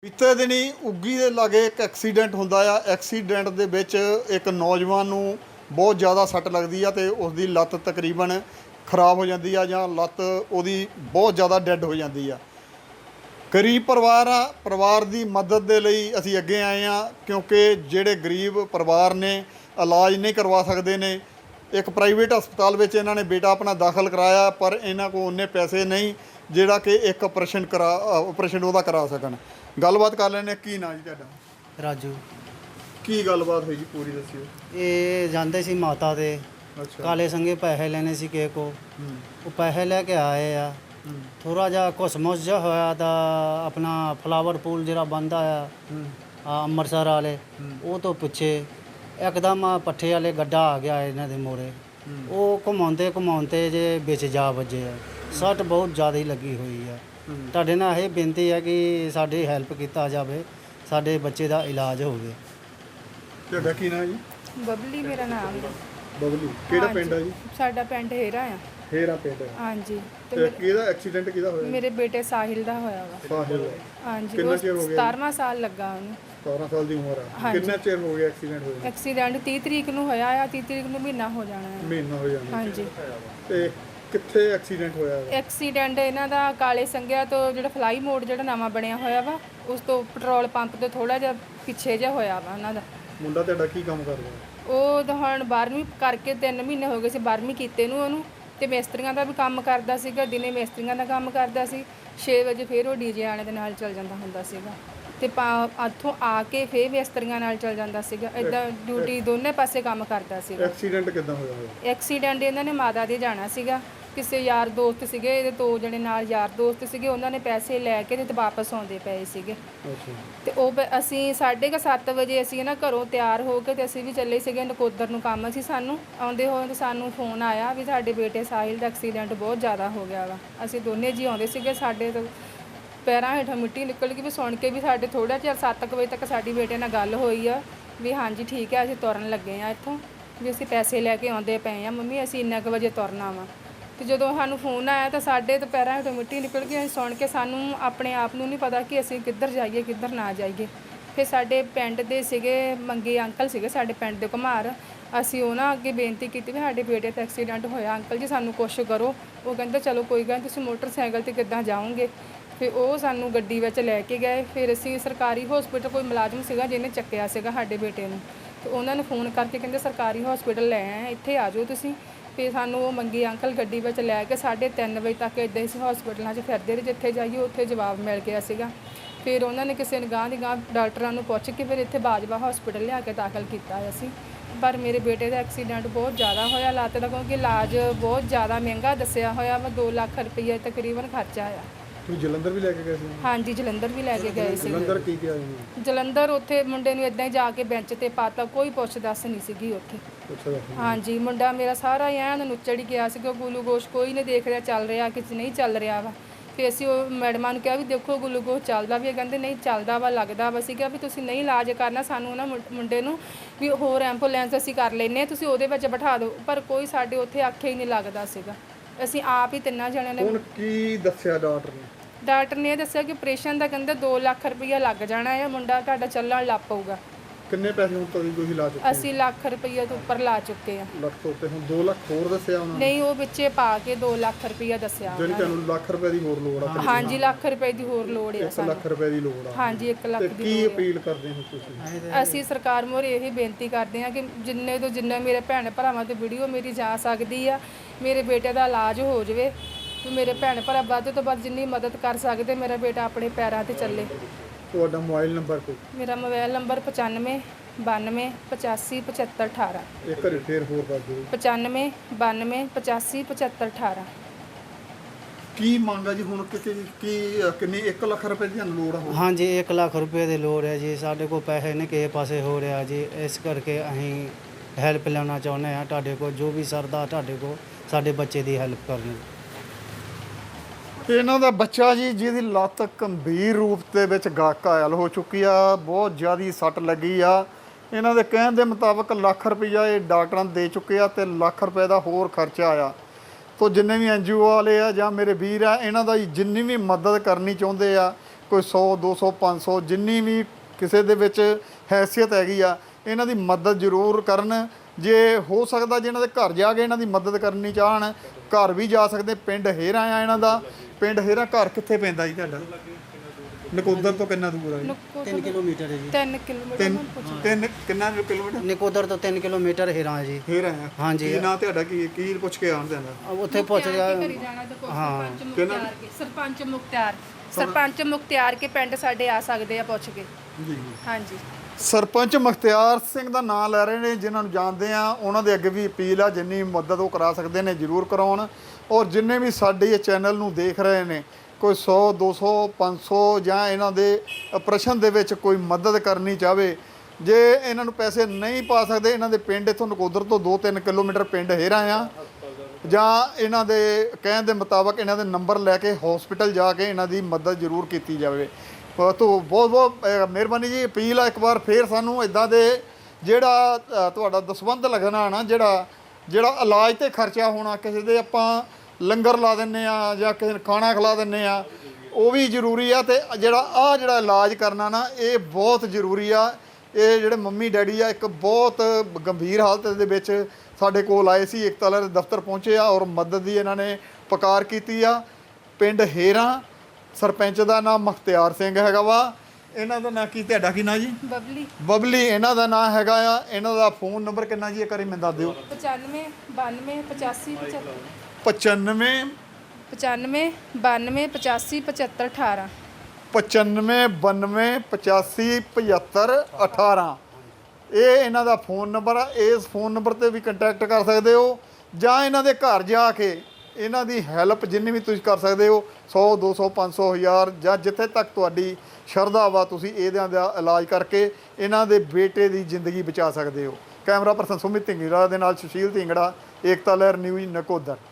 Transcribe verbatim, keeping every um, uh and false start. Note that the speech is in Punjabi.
ਬੀਤੇ ਦਿਨੀ ਉੱਗੀ ਦੇ ਲਾਗੇ ਇੱਕ ਐਕਸੀਡੈਂਟ ਹੁੰਦਾ ਆ। ਐਕਸੀਡੈਂਟ ਦੇ ਵਿੱਚ ਇੱਕ ਨੌਜਵਾਨ ਨੂੰ ਬਹੁਤ ਜ਼ਿਆਦਾ ਸੱਟ ਲੱਗਦੀ ਆ ਤੇ ਉਸ ਦੀ ਲੱਤ ਤਕਰੀਬਨ ਖਰਾਬ ਹੋ ਜਾਂਦੀ ਆ ਜਾਂ ਲੱਤ ਉਹਦੀ ਬਹੁਤ ਜ਼ਿਆਦਾ ਡੈੱਡ ਹੋ ਜਾਂਦੀ ਆ। ਗਰੀਬ ਪਰਿਵਾਰ ਆ, ਪਰਿਵਾਰ ਦੀ ਮਦਦ ਦੇ ਲਈ ਅਸੀਂ ਅੱਗੇ ਆਏ ਆ ਕਿਉਂਕਿ ਜਿਹੜੇ ਗਰੀਬ ਪਰਿਵਾਰ ਨੇ ਇਲਾਜ ਨਹੀਂ ਕਰਵਾ ਸਕਦੇ ਨੇ। ਇੱਕ ਪ੍ਰਾਈਵੇਟ ਹਸਪਤਾਲ ਵਿੱਚ ਇਹਨਾਂ ਨੇ ਬੇਟਾ ਆਪਣਾ ਦਾਖਲ ਕਰਾਇਆ ਪਰ ਇਹਨਾਂ ਕੋਲ ਉਹਨੇ ਪੈਸੇ ਨਹੀਂ ਜਿਹੜਾ ਕਿ ਇੱਕ ਆਪਰੇਸ਼ਨ ਕਰਾ ਆਪਰੇਸ਼ਨ ਉਹਦਾ ਕਰਾ ਸਕਣ। ਗੱਲਬਾਤ ਕਰ ਲੈਣੇ। ਕੀ ਨਾਂ ਜੀ ਤੁਹਾਡਾ? ਰਾਜੂ। ਕੀ ਗੱਲਬਾਤ ਹੋਈ ਜੀ ਪੂਰੀ ਦੱਸਿਓ। ਇਹ ਜਾਂਦੇ ਸੀ ਮਾਤਾ ਦੇ ਅੱਛਾ। ਕਾਲੇ ਸੰਗੇ ਪੈਸੇ ਲੈਣੇ ਸੀ ਕਿਸੇ ਕੋ, ਉਹ ਪੈਸੇ ਲੈ ਕੇ ਆਏ ਆ। ਥੋੜਾ ਜਿਹਾ ਘੁਸਮੁਸ ਜਿਹਾ ਹੋਇਆ ਤਾਂ ਆਪਣਾ ਫਲਾਵਰ ਪੂਲ ਜਿਹੜਾ ਬੰਦਾ ਆ ਆ ਅੰਮ੍ਰਿਤਸਰ ਵਾਲੇ ਉਹ ਤੋਂ ਪਿੱਛੇ ਇੱਕਦਮ ਆਹ ਪੱਠੇ ਵਾਲੇ ਗੱਡਾ ਆ ਗਿਆ ਇਹਨਾਂ ਦੇ ਮੋਰੇ। ਉਹ ਘੁਮਾਉਂਦੇ ਘੁਮਾਉਂਦੇ ਜੇ ਵਿੱਚ ਜਾ ਵੱਜੇ ਆ। ਸੱਟ ਬਹੁਤ ਜ਼ਿਆਦਾ ਹੀ ਲੱਗੀ ਹੋਈ ਆ। ਤੁਹਾਡੇ ਨਾਲ ਇਹ ਬੇਨਤੀ ਹੈ ਕਿ ਸਾਡੀ ਹੈਲਪ ਕੀਤਾ ਜਾਵੇ, ਸਾਡੇ ਬੱਚੇ ਦਾ ਇਲਾਜ ਹੋਵੇ। ਤੁਹਾਡਾ ਕੀ ਨਾਂ ਜੀ? ਬਬਲੀ ਮੇਰਾ ਨਾਮ ਹੈ। ਬਬਲੀ। ਕਿਹੜਾ ਪਿੰਡ ਆ ਜੀ? ਸਾਡਾ ਪਿੰਡ ਹੇਰਾ ਆ। ਹੇਰਾ ਪਿੰਡ। ਹਾਂਜੀ। ਤੇ ਤੇ ਕਿਹਦਾ ਐਕਸੀਡੈਂਟ ਕਿਹਦਾ ਹੋਇਆ? ਮੇਰੇ ਬੇਟੇ ਸਾਹਿਲ ਦਾ ਹੋਇਆ ਵਾ। ਸਾਹਿਲ। ਹਾਂਜੀ। ਕਿੰਨਾ ਉਹ ਚਿਰ ਹੋ ਗਿਆ? ਸਤਾਰਵਾਂ ਸਾਲ ਲੱਗਾ ਉਹਨੂੰ। ਸਤਾਰਾਂ ਸਾਲ ਦੀ ਉਮਰ ਆ। ਹਾਂਜੀ। ਕਿੰਨਾ ਚਿਰ ਹੋ ਗਿਆ ਐਕਸੀਡੈਂਟ ਹੋਇਆ? ਐਕਸੀਡੈਂਟ ਤੀਹ ਤਰੀਕ ਨੂੰ ਹੋਇਆ ਆ। ਤੀਹ ਤਰੀਕ ਨੂੰ ਮਹੀਨਾ ਹੋ ਜਾਣਾ ਹੈ। ਮਹੀਨਾ ਹੋ ਜਾਣਾ। ਹਾਂਜੀ। ਤੇ ਕਿੱਥੇ ਐਕਸੀਡੈਂਟ ਹੋਇਆ ਹੈ? ਐਕਸੀਡੈਂਟ ਇਹਨਾਂ ਦਾ ਕਾਲੇ ਸੰਗਿਆ ਤੋਂ ਜਿਹੜਾ ਫਲਾਈ ਮੋਡ ਜਿਹੜਾ ਨਵਾਂ ਬਣਿਆ ਹੋਇਆ ਵਾ ਉਸ ਤੋਂ ਪੈਟਰੋਲ ਪੰਪ ਤੋਂ ਥੋੜਾ ਜਿਹਾ ਪਿੱਛੇ ਜਿਹਾ ਹੋਇਆ ਵਾ ਉਹਨਾਂ ਦਾ। ਮੁੰਡਾ ਤੁਹਾਡਾ ਕੀ ਕੰਮ ਕਰਦਾ? ਉਹ ਤਾਂ ਹੁਣ ਬਾਰ੍ਹਵੀਂ ਕਰਕੇ ਤਿੰਨ ਮਹੀਨੇ ਹੋ ਗਏ ਸੀ ਬਾਰ੍ਹਵੀਂ ਕੀਤੇ ਨੂੰ ਉਹਨੂੰ। ਤੇ ਮਿਸਤਰੀਆਂ ਦਾ ਵੀ ਕੰਮ ਕਰਦਾ ਸੀਗਾ। ਦਿਨੇ ਮਿਸਤਰੀਆਂ ਦਾ ਕੰਮ ਕਰਦਾ ਸੀ। ਛੇ ਵਜੇ ਫਿਰ ਉਹ ਡੀਜੇ ਵਾਲੇ ਦੇ ਨਾਲ ਚੱਲ ਜਾਂਦਾ ਹੁੰਦਾ ਸੀਗਾ ਤੇ ਉੱਥੋਂ ਆ ਕੇ ਫਿਰ ਮਿਸਤਰੀਆਂ ਨਾਲ ਚੱਲ ਜਾਂਦਾ ਸੀਗਾ। ਇਦਾਂ ਡਿਊਟੀ ਦੋਨੇ ਪਾਸੇ ਕੰਮ ਕਰਦਾ ਸੀਗਾ। ਐਕਸੀਡੈਂਟ ਕਿੱਦਾਂ ਹੋਇਆ ਹੋਇਆ? ਐਕਸੀਡੈਂਟ ਇਹਨਾਂ ਨੇ ਮਾਤਾ ਦੇ ਜਾਣਾ ਸੀਗਾ। ਕਿਸੇ ਯਾਰ ਦੋਸਤ ਸੀਗੇ, ਇਹਦੇ ਦੋ ਜਣੇ ਨਾਲ ਯਾਰ ਦੋਸਤ ਸੀਗੇ। ਉਹਨਾਂ ਨੇ ਪੈਸੇ ਲੈ ਕੇ ਤੇ ਵਾਪਸ ਆਉਂਦੇ ਪਏ ਸੀਗੇ। ਅੱਛਾ। ਤੇ ਉਹ ਬ- ਅਸੀਂ ਸਾਢੇ ਕੁ ਸੱਤ ਵਜੇ ਅਸੀਂ ਨਾ ਘਰੋਂ ਤਿਆਰ ਹੋ ਕੇ ਤੇ ਅਸੀਂ ਵੀ ਚੱਲੇ ਸੀਗੇ ਨਕੋਦਰ ਨੂੰ ਕੰਮ ਸੀ ਸਾਨੂੰ। ਆਉਂਦੇ ਹੋਏ ਤੇ ਸਾਨੂੰ ਫੋਨ ਆਇਆ ਵੀ ਸਾਡੇ ਬੇਟੇ ਸਾਹਿਲ ਦਾ ਐਕਸੀਡੈਂਟ ਬਹੁਤ ਜ਼ਿਆਦਾ ਹੋ ਗਿਆ ਵਾ। ਅਸੀਂ ਦੋਨੇ ਜੀ ਆਉਂਦੇ ਸੀਗੇ। ਸਾਡੇ ਤੋਂ ਪੈਰਾਂ ਹੇਠੋਂ ਮਿੱਟੀ ਨਿਕਲ ਗਈ ਵੀ ਸੁਣ ਕੇ ਵੀ ਸਾਡੇ ਥੋੜ੍ਹਾ ਚਿਰ ਸੱਤ ਕੁ ਵਜੇ ਤੱਕ ਸਾਡੀ ਬੇਟੇ ਨਾਲ ਗੱਲ ਹੋਈ ਆ ਵੀ ਹਾਂਜੀ ਠੀਕ ਹੈ ਅਸੀਂ ਤੁਰਨ ਲੱਗੇ ਆ ਇੱਥੋਂ, ਵੀ ਅਸੀਂ ਪੈਸੇ ਲੈ ਕੇ ਆਉਂਦੇ ਪਏ ਆ ਮੰਮੀ, ਅਸੀਂ ਇੰਨਾ ਕੁ ਵਜੇ ਤੁਰਨਾ ਵਾ। ਤੇ ਜਦੋਂ ਸਾਨੂੰ ਫੋਨ ਆਇਆ ਤਾਂ ਸਾਡੇ ਤੋਂ ਪੈਰਾਂ ਹੇਠੋਂ ਮਿੱਟੀ ਨਿਕਲ ਗਈ। ਅਸੀਂ ਸੁਣ ਕੇ ਸਾਨੂੰ ਆਪਣੇ ਆਪ ਨੂੰ ਨਹੀਂ ਪਤਾ ਕਿ ਅਸੀਂ ਕਿੱਧਰ ਜਾਈਏ ਕਿੱਧਰ ਨਾ ਜਾਈਏ। ਫਿਰ ਸਾਡੇ ਪਿੰਡ ਦੇ ਸੀਗੇ ਮੰਗੇ ਅੰਕਲ ਸੀਗੇ ਸਾਡੇ ਪਿੰਡ ਦੇ ਘੁਮਾਰ। ਅਸੀਂ ਉਹਨਾਂ ਅੱਗੇ ਬੇਨਤੀ ਕੀਤੀ ਵੀ ਸਾਡੇ ਬੇਟੇ ਦਾ ਐਕਸੀਡੈਂਟ ਹੋਇਆ, ਅੰਕਲ ਜੀ ਸਾਨੂੰ ਕੁਛ ਕਰੋ। ਉਹ ਕਹਿੰਦੇ ਚਲੋ ਕੋਈ ਗੱਲ, ਤੁਸੀਂ ਮੋਟਰਸਾਈਕਲ 'ਤੇ ਕਿੱਦਾਂ ਜਾਓਗੇ? ਫਿਰ ਉਹ ਸਾਨੂੰ ਗੱਡੀ ਵਿੱਚ ਲੈ ਕੇ ਗਏ। ਫਿਰ ਅਸੀਂ ਸਰਕਾਰੀ ਹਸਪੀਟਲ, ਕੋਈ ਮੁਲਾਜ਼ਮ ਸੀਗਾ ਜਿਹਨੇ ਚੱਕਿਆ ਸੀਗਾ ਸਾਡੇ ਬੇਟੇ ਨੂੰ, ਤੇ ਉਹਨਾਂ ਨੂੰ ਫੋਨ ਕਰਕੇ ਕਹਿੰਦੇ ਸਰਕਾਰੀ ਹਸਪੀਟਲ ਲੈ ਆਏ, ਇੱਥੇ ਆ ਜਾਓ ਤੁਸੀਂ। ਫਿਰ ਸਾਨੂੰ ਉਹ ਮੰਗੀ ਅੰਕਲ ਗੱਡੀ ਵਿੱਚ ਲੈ ਕੇ ਸਾਢੇ ਤਿੰਨ ਵਜੇ ਤੱਕ ਇੱਦਾਂ ਹੀ ਅਸੀਂ ਹਸਪੀਟਲਾਂ 'ਚ ਫਿਰਦੇ ਰਹੇ। ਜਿੱਥੇ ਜਾਈਏ ਉੱਥੇ ਜਵਾਬ ਮਿਲ ਗਿਆ ਸੀਗਾ। ਫਿਰ ਉਹਨਾਂ ਨੇ ਕਿਸੇ ਨੇ ਗਾਂਹ ਦੀ ਗਾਂਹ ਡਾਕਟਰਾਂ ਨੂੰ ਪੁੱਛ ਕੇ ਫਿਰ ਇੱਥੇ ਬਾਜਵਾ ਹਸਪੀਟਲ ਲਿਆ ਕੇ ਦਾਖਲ ਕੀਤਾ ਅਸੀਂ। ਪਰ ਮੇਰੇ ਬੇਟੇ ਦਾ ਐਕਸੀਡੈਂਟ ਬਹੁਤ ਜ਼ਿਆਦਾ ਹੋਇਆ ਲੱਤ ਦਾ, ਕਿਉਂਕਿ ਇਲਾਜ ਬਹੁਤ ਜ਼ਿਆਦਾ ਮਹਿੰਗਾ ਦੱਸਿਆ ਹੋਇਆ ਵਾ। ਦੋ ਲੱਖ ਰੁਪਈਆ ਤਕਰੀਬਨ ਖਰਚਾ ਆ। ਤੁਸੀਂ ਜਲੰਧਰ ਵੀ ਲੈ ਕੇ ਗਏ ਸੀ? ਹਾਂਜੀ, ਜਲੰਧਰ ਵੀ ਲੈ ਕੇ ਗਏ ਸੀ। ਜਲੰਧਰ ਕੀ ਕਿਹਾ ਜੀ? ਜਲੰਧਰ ਉੱਥੇ ਮੁੰਡੇ ਨੂੰ ਇਦਾਂ ਹੀ ਜਾ ਕੇ ਬੈਂਚ ਤੇ ਪਾਤਾ, ਕੋਈ ਪੁੱਛ ਦੱਸ ਨਹੀਂ ਸੀਗੀ ਉੱਥੇ। ਅੱਛਾ। ਹਾਂਜੀ, ਮੁੰਡਾ ਮੇਰਾ ਸਾਰਾ ਐਨ ਨੁੱਚੜ ਹੀ ਗਿਆ ਸੀਗਾ। ਗਲੂਕੋਸ਼ ਕੋਈ ਨਹੀਂ ਦੇਖ ਰਿਹਾ ਚੱਲ ਰਿਹਾ ਕਿ ਨਹੀਂ ਚੱਲ ਰਿਹਾ ਵਾ। ਫਿਰ ਅਸੀਂ ਉਹ ਮੈਡਮਾਂ ਨੂੰ ਕਿਹਾ ਵੀ ਦੇਖੋ ਗਲੂਕੋਸ਼ ਚੱਲਦਾ ਵੀ ਹੈ? ਕਹਿੰਦੇ ਨਹੀਂ ਚੱਲਦਾ ਵਾ, ਲੱਗਦਾ ਵਾ। ਅਸੀਂ ਕਿਹਾ ਵੀ ਤੁਸੀਂ ਨਹੀਂ ਇਲਾਜ ਕਰਨਾ, ਸਾਨੂੰ ਨਾ ਮੁੰਡੇ ਨੂੰ ਵੀ ਹੋਰ ਐਂਬੂਲੈਂਸ ਅਸੀਂ ਕਰ ਲੈਂਦੇ ਹਾਂ, ਤੁਸੀਂ ਉਹਦੇ ਵਿੱਚ ਬਿਠਾ ਦਿਓ। ਪਰ ਕੋਈ ਸਾਡੇ ਉੱਥੇ ਆਖੇ ਹੀ ਨਹੀਂ ਲੱਗਦਾ ਸੀਗਾ। ਅਸੀਂ ਆਪ ਹੀ ਤਿੰਨਾਂ ਜਣਿਆਂ ਨੇ। ਹੁਣ ਕੀ ਦੱਸਿਆ ਡਾਕਟਰ ਨੇ? ਡਾਕਟਰ ਨੇ ਇਹ ਦੱਸਿਆ ਕਿ ਆਪਰੇਸ਼ਨ ਦਾ ਕਹਿੰਦੇ ਦੋ ਲੱਖ ਰੁਪਈਆ ਲੱਗ ਜਾਣਾ ਹੈ, ਮੁੰਡਾ ਤੁਹਾਡਾ ਚੱਲਣ ਲੱਗ ਪਊਗਾ। ਕਿੰਨੇ ਪੈਸੇ ਹੁਣ ਤੱਕ ਤੁਸੀਂ ਲਾ ਚੁੱਕੇ? ਅਸੀਂ ਲੱਖ ਰੁਪਈਆ ਤੋਂ ਉੱਪਰ ਲਾ ਚੁੱਕੇ ਆ। ਲੱਖ ਤੋਂ ਉੱਤੇ। ਹੁਣ ਦੋ ਲੱਖ ਹੋਰ ਦੱਸਿਆ ਉਹਨਾਂ ਨੇ? ਨਹੀਂ, ਉਹ ਵਿੱਚੇ ਪਾ ਕੇ ਦੋ ਲੱਖ ਰੁਪਈਆ ਦੱਸਿਆ ਜਿਹੜੀ ਉਹਨਾਂ ਨੇ। ਤੁਹਾਨੂੰ ਲੱਖ ਰੁਪਏ ਦੀ ਹੋਰ ਲੋੜ ਆ? ਹਾਂਜੀ, ਲੱਖ ਰੁਪਏ ਦੀ ਹੋਰ ਲੋੜ ਹੈ ਇੱਕ ਸਾਨੂੰ। ਲੱਖ ਰੁਪਏ ਦੀ ਲੋੜ ਆ? ਹਾਂਜੀ, ਇੱਕ ਲੱਖ ਤੇ ਦੀ ਕੀ ਲੋੜ ਹੈ। ਅਪੀਲ ਕਰਦੇ ਹੋ ਤੁਸੀਂ? ਅਸੀਂ ਸਰਕਾਰ ਮੋਰੇ ਇਹ ਬੇਨਤੀ ਕਰਦੇ ਹਾਂ ਕਿ ਜਿੰਨੇ ਤੋਂ ਜਿੰਨਾ ਮੇਰੇ ਭੈਣ ਭਰਾਵਾਂ ਤੇ ਵੀਡੀਓ ਮੇਰੀ ਜਾ ਸਕਦੀ ਆ, ਮੇਰੇ ਬੇਟੇ ਦਾ ਇਲਾਜ ਹੋ ਜਾਵੇ। ਵੀ ਮੇਰੇ ਭੈਣ ਭਰਾ ਵੱਧ ਤੋਂ ਵੱਧ ਜਿੰਨੀ ਮਦਦ ਕਰ ਸਕਦੇ, ਮੇਰਾ ਬੇਟਾ ਆਪਣੇ ਪੈਰਾਂ 'ਤੇ ਚੱਲੇ। ਤੁਹਾਡਾ ਮੋਬਾਈਲ ਨੰਬਰ ਕੋਈ? ਮੇਰਾ ਮੋਬਾਈਲ ਨੰਬਰ ਪਚਾਨਵੇਂ ਬਾਨਵੇਂ ਪਚਾਸੀ ਪਝੱਤਰ ਅਠਾਰਾਂ। ਇੱਕ ਵਾਰੀ ਫੇਰ ਹੋਰ ਦੱਸ ਦਿਓ। ਪਚਾਨਵੇਂ ਬਾਨਵੇਂ ਪਚਾਸੀ ਪਝੱਤਰ ਅਠਾਰਾਂ। ਕੀ ਮੰਗ ਆ ਜੀ ਹੁਣ? ਕਿ ਕਿ- ਕੀ ਕਿੰਨੀ ਇੱਕ ਲੱਖ ਰੁਪਏ ਦੀ ਤੁਹਾਨੂੰ ਲੋੜ ਆ ਹੁਣ? ਹਾਂਜੀ, ਇੱਕ ਲੱਖ ਰੁਪਏ ਦੀ ਲੋੜ ਹੈ ਜੀ। ਸਾਡੇ ਕੋਲ ਪੈਸੇ ਨਹੀਂ ਕਿਸੇ ਪਾਸੇ ਹੋ ਰਿਹਾ ਜੀ, ਇਸ ਕਰਕੇ ਅਸੀਂ ਹੈਲਪ ਲੈਣਾ ਚਾਹੁੰਦੇ ਹਾਂ ਤੁਹਾਡੇ ਕੋਲ। ਜੋ ਵੀ ਸਰਦਾ ਤੁਹਾਡੇ ਕੋਲ ਸਾਡੇ ਬੱਚੇ ਦੀ ਹੈਲਪ ਕਰਨੀ। ਇਹਨਾਂ ਦਾ ਬੱਚਾ ਜੀ ਜਿਹਦੀ ਲੱਤ ਗੰਭੀਰ ਰੂਪ ਦੇ ਵਿੱਚ ਗਾ ਘਾਇਲ ਹੋ ਚੁੱਕੀ ਆ, ਬਹੁਤ ਜ਼ਿਆਦਾ ਸੱਟ ਲੱਗੀ ਆ। ਇਹਨਾਂ ਦੇ ਕਹਿਣ ਦੇ ਮੁਤਾਬਕ ਲੱਖ ਰੁਪਈਆ ਇਹ ਡਾਕਟਰਾਂ ਦੇ ਚੁੱਕੇ ਆ ਤੇ ਲੱਖ ਰੁਪਏ ਦਾ ਹੋਰ ਖਰਚਾ ਆਇਆ। ਤੋ ਜਿੰਨੇ ਵੀ ਐਨ ਜੀ ਓ ਵਾਲੇ ਆ ਜਾਂ ਮੇਰੇ ਵੀਰ ਆ, ਇਹਨਾਂ ਦਾ ਜਿੰਨੀ ਵੀ ਮਦਦ ਕਰਨੀ ਚਾਹੁੰਦੇ ਆ, ਕੋਈ ਸੌ ਦੋ ਸੌ ਪੰਜ ਸੌ ਜਿੰਨੀ ਵੀ ਕਿਸੇ ਦੇ ਵਿੱਚ ਹੈਸੀਅਤ ਹੈਗੀ ਆ ਇਹਨਾਂ ਦੀ ਮਦਦ ਜ਼ਰੂਰ ਕਰਨ। ਜੇ ਹੋ ਸਕਦਾ ਜੇ ਇਹਨਾਂ ਦੇ ਘਰ ਜਾ ਕੇ ਇਹਨਾਂ ਦੀ ਮਦਦ ਕਰਨੀ ਚਾਹਣ ਘਰ ਵੀ ਜਾ ਸਕਦੇ। ਪਿੰਡ ਹੇਰਾ ਆ ਇਹਨਾਂ ਦਾ। ਪਿੰਡ ਹੇਰਾ ਘਰ ਕਿੱਥੇ ਪੈਂਦਾ ਜੀ ਤੁਹਾਡਾ? ਨਕੋਦਰ ਤੋਂ ਕਿੰਨਾ ਦੂਰ ਆ ਜੀ? तीन किलोमीटर है जी। ਤਿੰਨ ਕਿਲੋਮੀਟਰ ਤਿੰਨ ਤਿੰਨ ਕਿੰਨਾ ਕਿਲੋਮੀਟਰ? नकोदर तो तीन किलोमीटर हेरा है जी। ਹੇਰਾ ਆ। हाँ जी। ਕੀ ਨਾਂ ਤੁਹਾਡਾ? ਕੀ ਕੀ ਪੁੱਛ ਕੇ ਆਉਣ ਦੇਣਾ? अब उत्थे पहुंच गया। ਕਰੀ ਜਾਣਾ ਦੇਖੋ ਸਰਪੰਚ ਮੁਖਤਿਆਰ ਕੇ ਸਰਪੰਚ ਮੁਖਤਿਆਰ ਸਰਪੰਚ ਮੁਖਤਿਆਰ ਕੇ ਪਿੰਡ ਸਾਡੇ ਆ ਸਕਦੇ ਆ ਪੁੱਛ ਕੇ। ਜੀ ਹਾਂਜੀ ਸਰਪੰਚ ਮੁਖਤਿਆਰ ਸਿੰਘ ਦਾ ਨਾਮ ਲੈ ਰਹੇ ਨੇ। ਜਿਨ੍ਹਾਂ ਨੂੰ ਜਾਣਦੇ ਆ ਉਹਨਾਂ ਦੇ ਅੱਗੇ ਵੀ ਅਪੀਲ ਆ ਜਿੰਨੀ ਮਦਦ ਉਹ ਕਰਾ ਸਕਦੇ ਨੇ ਜ਼ਰੂਰ ਕਰਾਉਣ। ਔਰ ਜਿੰਨੇ ਵੀ ਸਾਡੇ ਇਹ ਚੈਨਲ ਨੂੰ ਦੇਖ ਰਹੇ ਨੇ ਕੋਈ ਸੌ ਦੋ ਸੌ ਪੰਜ ਸੌ ਜਾਂ ਇਹਨਾਂ ਦੇ ਆਪਰੇਸ਼ਨ ਦੇ ਵਿੱਚ ਕੋਈ ਮਦਦ ਕਰਨੀ ਚਾਹਵੇ, ਜੇ ਇਹਨਾਂ ਨੂੰ ਪੈਸੇ ਨਹੀਂ ਪਾ ਸਕਦੇ, ਇਹਨਾਂ ਦੇ ਪਿੰਡ ਇੱਥੋਂ ਨਕੋਦਰ ਤੋਂ ਦੋ ਤਿੰਨ ਕਿਲੋਮੀਟਰ ਪਿੰਡ ਹੇਰਾ ਆ, ਜਾਂ ਇਹਨਾਂ ਦੇ ਕਹਿਣ ਦੇ ਮੁਤਾਬਕ ਇਹਨਾਂ ਦੇ ਨੰਬਰ ਲੈ ਕੇ ਹਸਪੀਟਲ ਜਾ ਕੇ ਇਹਨਾਂ ਦੀ ਮਦਦ ਜ਼ਰੂਰ ਕੀਤੀ ਜਾਵੇ। ਤੋ ਬਹੁਤ ਬਹੁਤ ਅ, ਮਿਹਰਬਾਨੀ ਜੀ। ਅਪੀਲ ਆ ਇੱਕ ਵਾਰ ਫੇਰ ਸਾਨੂੰ ਇਦਾਂ ਦੇ ਜਿਹੜਾ ਅ, ਤੁਹਾਡਾ ਦਸਵੰਧ ਲੱਗਣਾ ਨਾ, ਜਿਹੜਾ ਜਿਹੜਾ ਇਲਾਜ ਤੇ ਖਰਚਾ ਹੋਣਾ, ਕਿਸੇ ਦੇ ਆਪਾਂ ਲੰਗਰ ਲਾ ਦਿੰਨੇ ਆ ਜਾਂ ਕਿਸੇ ਨੂੰ ਖਾਣਾ ਖਿਲਾ ਦਿੰਨੇ ਆ, ਉਹ ਵੀ ਜ਼ਰੂਰੀ ਆ। ਤੇ ਜਿਹੜਾ ਆ ਜਿਹੜਾ ਇਲਾਜ ਕਰਨਾ ਨਾ ਇਹ ਬਹੁਤ ਜ਼ਰੂਰੀ ਆ। ਇਹ ਜਿਹੜੇ ਮੰਮੀ ਡੈਡੀ ਆ ਇੱਕ ਬਹੁਤ ਗੰਭੀਰ ਹਾਲਤ ਦੇ ਵਿੱਚ ਸਾਡੇ ਕੋਲ ਆਏ ਸੀ, ਏਕਤਾ ਲਹਿਰ ਦੇ ਦਫ਼ਤਰ ਪਹੁੰਚੇ ਆ ਔਰ ਮਦਦ ਦੀ ਇਹਨਾਂ ਨੇ ਪੁਕਾਰ ਕੀਤੀ ਆ। ਪਿੰਡ ਹੇਰਾ, ਸਰਪੰਚ ਦਾ ਨਾਮ ਮੁਖਤਿਆਰ ਸਿੰਘ ਹੈਗਾ ਵਾ। ਇਹਨਾਂ ਦਾ ਨਾਂ ਕੀ? ਤੁਹਾਡਾ ਕੀ ਨਾਂ ਜੀ? ਬਬਲੀ ਬਬਲੀ ਇਹਨਾਂ ਦਾ ਨਾਂ ਹੈਗਾ ਆ। ਇਹਨਾਂ ਦਾ ਫੋਨ ਨੰਬਰ ਕਿੰਨਾ ਜੀ? ਇੱਕ ਵਾਰੀ ਮੈਨੂੰ ਦੱਸ ਦਿਓ। ਪਚਾਨਵੇਂ ਬਾਨਵੇਂ ਪਚਾਸੀ ਪਚੱਤਰ ਪਚਾਨਵੇਂ ਪਚਾਨਵੇਂ ਬਾਨਵੇਂ ਪਚਾਸੀ ਪਚੱਤਰ ਅਠਾਰਾਂ ਪਚਾਨਵੇਂ ਬਾਨਵੇਂ ਪਚਾਸੀ ਪਝੱਤਰ ਅਠਾਰਾਂ ਇਹ ਇਹਨਾਂ ਦਾ ਫੋਨ ਨੰਬਰ ਆ। ਇਸ ਫੋਨ ਨੰਬਰ ਤੇ ਵੀ ਕੰਟੈਕਟ ਕਰ ਸਕਦੇ ਹੋ, ਜਾਂ ਇਹਨਾਂ ਦੇ ਘਰ ਜਾ ਕੇ ਇਹਨਾਂ ਦੀ ਹੈਲਪ ਜਿੰਨੀ ਵੀ ਤੁਸੀਂ ਕਰ ਸਕਦੇ ਹੋ, ਸੌ ਦੋ ਸੌ ਪੰਜ ਸੌ ਹਜ਼ਾਰ ਜਾਂ ਜਿੱਥੇ ਤੱਕ ਤੁਹਾਡੀ ਸ਼ਰਧਾ ਵਾ, ਤੁਸੀਂ ਇਹਦਿਆਂ ਦਾ ਇਲਾਜ ਕਰਕੇ ਇਹਨਾਂ ਦੇ ਬੇਟੇ ਦੀ ਜ਼ਿੰਦਗੀ ਬਚਾ ਸਕਦੇ ਹੋ। ਕੈਮਰਾ ਪਰਸਨ ਸੁਮਿਤ ਢਿੰਗੜਾ ਦੇ ਨਾਲ ਸੁਸ਼ੀਲ ਢਿੰਗੜਾ, ਏਕਤਾ ਲਹਿਰ ਨਿਊਜ਼ ਨਕੋਦਰ।